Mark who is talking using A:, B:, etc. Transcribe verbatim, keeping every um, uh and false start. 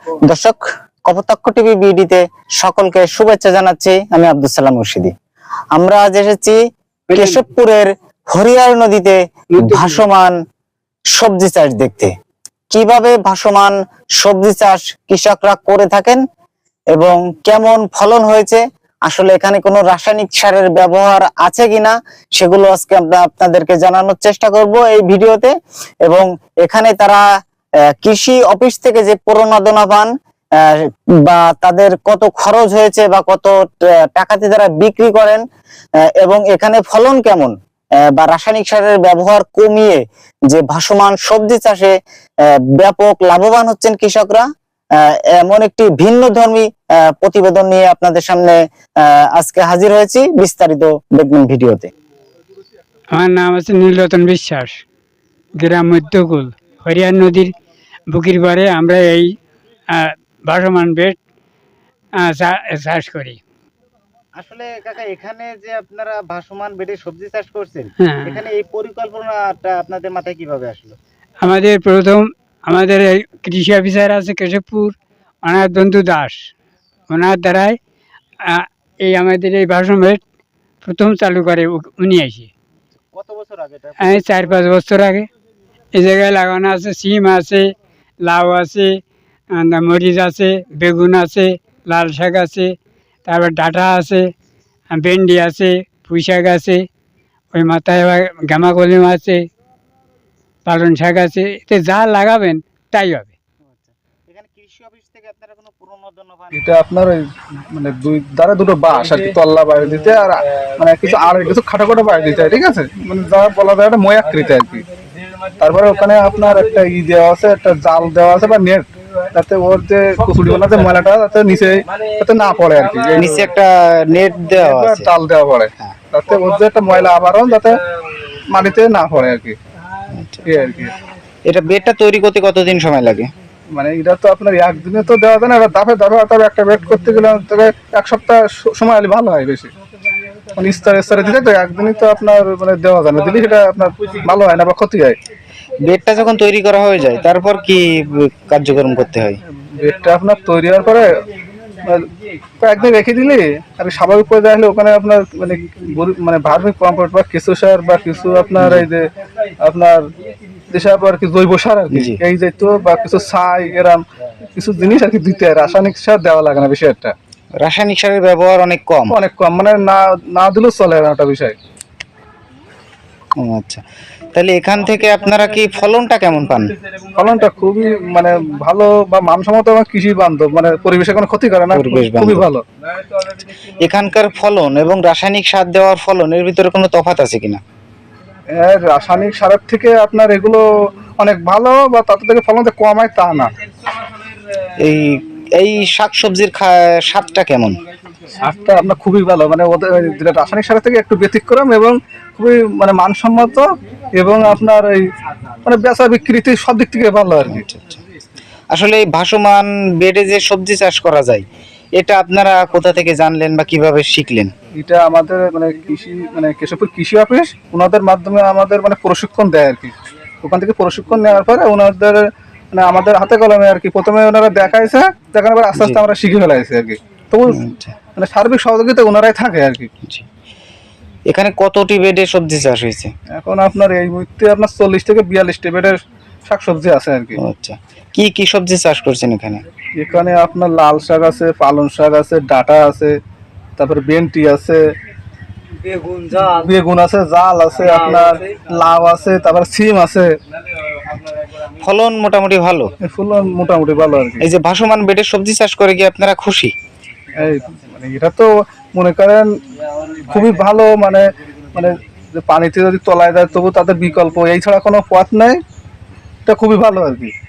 A: দর্শক, কপোতাক্ষ টিভি বিডিতে সকলকে শুভেচ্ছা জানাচ্ছি। আমি আব্দুল সালাম মুর্শিদি। আমরা আজ এসেছি কেশবপুরের হরিয়ার নদীতে ভাসমান সবজি চাষ দেখতে। কিভাবে ভাসমান সবজি চাষ কৃষকরা করে থাকেন এবং কেমন ফলন হয়েছে, আসলে এখানে কোনো রাসায়নিক সারের ব্যবহার আছে কিনা, সেগুলো আজকে আমরা আপনাদেরকে জানানোর চেষ্টা করব এই ভিডিওতে। এবং এখানে তারা কৃষি অফিস থেকে যে প্রণোদনা পান বা তাদের কত খরচ হয়েছে বা কত টাকাতে তারা বিক্রি করেন এবং এখানে ফলন কেমন বা রাসায়নিক সারের ব্যবহার কমিয়ে যে ভাসমান সবজি চাষে ব্যাপক লাভবান হচ্ছেন কৃষকরা, এমন একটি ভিন্ন ধর্মী প্রতিবেদন নিয়ে আপনাদের সামনে আজকে হাজির হয়েছি। বিস্তারিত দেখবেন ভিডিওতে।
B: আমার নাম আছে নীলরতন বিশ্বাস, গ্রাম মধ্যকুল, হরিয়ার নদীর বুকির পাড়ে আমরা এই ভাসমান বেড চাষ করি।
A: আসলে কাকা, এখানে যে আপনারা ভাসমান বেডে সবজি চাষ করছেন, এখানে এই পরিকল্পনাটা আপনাদের মাথায় কিভাবে আসলো?
B: আমাদের প্রথম আমাদের এই কৃষি অফিসার আছে কেশবপুর, ওনার দন্তু দাস, ওনার দ্বারাই এই আমাদের এই ভাসমান বেড প্রথম চালু করে উনি এসে।
A: কত বছর আগে?
B: চার পাঁচ বছর আগে। এই জায়গায় লাগানো আছে সিম আছে, লাউ আছে, মরিচ আছে, বেগুন আছে, লাল শাক আছে, তারপর ডাঁটা আছে, ভেন্ডি আছে, পুঁই শাক আছে, ওই মাথায় আবার গামা কলিম আছে, পালন শাক আছে। এতে যা লাগাবেন তাই হবে।
C: এটা আপনার ওই মানে দুই ধারে দুটো বাঁশ আর কি, তল্লা বাইরে দিতে আর মানে কিছু আর কিছু খাটো খাটো বাইরে দিতে হয়, ঠিক আছে, মানে যা বলা যায় একটা ময়াকৃতি আর কি। তারপরে ওখানে আপনার একটা ই দেওয়া আছে, একটা জাল দেওয়া আছে বা নেট, যাতে ওর যে কুচুরি বানাতে ময়লাটা যাতে নিচে যাতে না পড়ে আর কি।
A: নিচে একটা নেট দেওয়া আছে,
C: জাল দেওয়া পড়ে, যাতে ওর যে একটা ময়লা আবরণ যাতে মাটিতে না পড়ে আর কি। এই আর কি।
A: এটা বেডটা তৈরি করতে কতদিন সময় লাগে?
C: মানে এটা তো আপনার একদিনে তো দেওয়া যায় না, এটা দাফে দাফে তবে একটা বেড করতে গেলে তবে এক সপ্তাহ সময় হলে ভালো হয় বেশি। মানে স্তরে স্তরে দিলে তো একদিনই তো আপনার মানে দেওয়া যায় না, দিলে সেটা আপনার ভালো হয় না বা ক্ষতি হয়।
A: বেডটা যখন তৈরি করা হয়ে যায় তারপর কি কার্যক্রম করতে হয়?
C: বেডটা আপনার তৈরি হওয়ার পরে কয়েকদিন রেখে দিলে আর স্বাভাবিক পর্যায়ে আসলে ওখানে আপনার মানে মানে ভার্মিক কম্পোস্ট বা কেঁচো সার বা কিছু আপনার এই যে আপনার যেসব আর কি জৈব সার আর কি, এই যেহেতু বা কিছু ছাই এরম কিছু জিনিস আর কি দিতে হয়। রাসায়নিক সার দেওয়া লাগে না বেশি একটা।
A: রাসায়নিক সারের ব্যবহার অনেক কম
C: অনেক কম মানে না না দিলেও চলে না একটা বিষয়।
A: আচ্ছা, তাহলে এখান থেকে আপনারা কি ফলনটা কেমন পান?
C: ফলনটা খুবই মানে ভালো বা মানসম্মত এবং কৃষি বান্ধব, মানে পরিবেশে কোনো ক্ষতি করে না, খুবই ভালো।
A: এখানকার ফলন এবং রাসায়নিক সার দেওয়ার ফলন এর ভিতরে কোনো তফাৎ আছে কিনা?
C: রাসায়নিক সারের থেকে আপনার এগুলো অনেক ভালো বা তাতে থেকে ফলন কম হয় তা না।
A: এই এই শাকসবজির স্বাদটা কেমন?
C: স্বাদটা আপনার খুবই ভালো, মানে ওদের রাসায়নিক সারের থেকে একটু ব্যতিক্রম এবং খুবই মানে মানসম্মত এবং আপনার এই মানে বেচা বিক্রিতে সব দিক থেকে ভালো আর কি।
A: আসলে এই ভাসমান বেডে যে সবজি চাষ করা যায়, এটা আপনারা কোথা থেকে জানলেন বা কিভাবে শিখলেন?
C: এটা আমাদের মানে কৃষি মানে কেশবপুর কৃষি অফিস, ওনাদের মাধ্যমে আমাদের মানে প্রশিক্ষণ দেয় আর কি। ওখান থেকে প্রশিক্ষণ নেওয়ার পরে ওনাদের মানে আমাদের হাতে কলমে আর কি প্রথমে ওনারা দেখাইছে, দেখানোর পর আস্তে আস্তে আমরা শিখে ফেলাইছি আর কি। তো মানে সার্বিক সহযোগিতা ওনারাই থাকে আর কি।
A: এখানে কতটি বেডে সবজি চাষ হয়েছে?
C: এখন আপনার এই মুহূর্তে আপনার চল্লিশ থেকে বিয়াল্লিশটি বেডের শাকসবজি আছে আর কি।
A: আচ্ছা, কি কি সবজি চাষ করছেন এখানে?
C: এখানে আপনার লাল শাক আছে, পালং শাক আছে, ডাঁটা আছে, তারপরে ভেন্ডি আছে, বেগুন জাল বেগুন আছে, জাল আছে, আপনার লাউ আছে, তারপর সিম আছে।
A: ফলন মোটামুটি ভালো?
C: ফলন মোটামুটি ভালো আর কি।
A: এই যে ভাসমান বেডে সবজি চাষ করে কি আপনারা খুশি?
C: এই মানে এটা তো মনে করেন খুবই ভালো, মানে মানে পানিতে যদি তলায় দেয় তবু তাদের বিকল্প এই ছাড়া কোনো পথ নেই, এটা খুবই ভালো আর কি।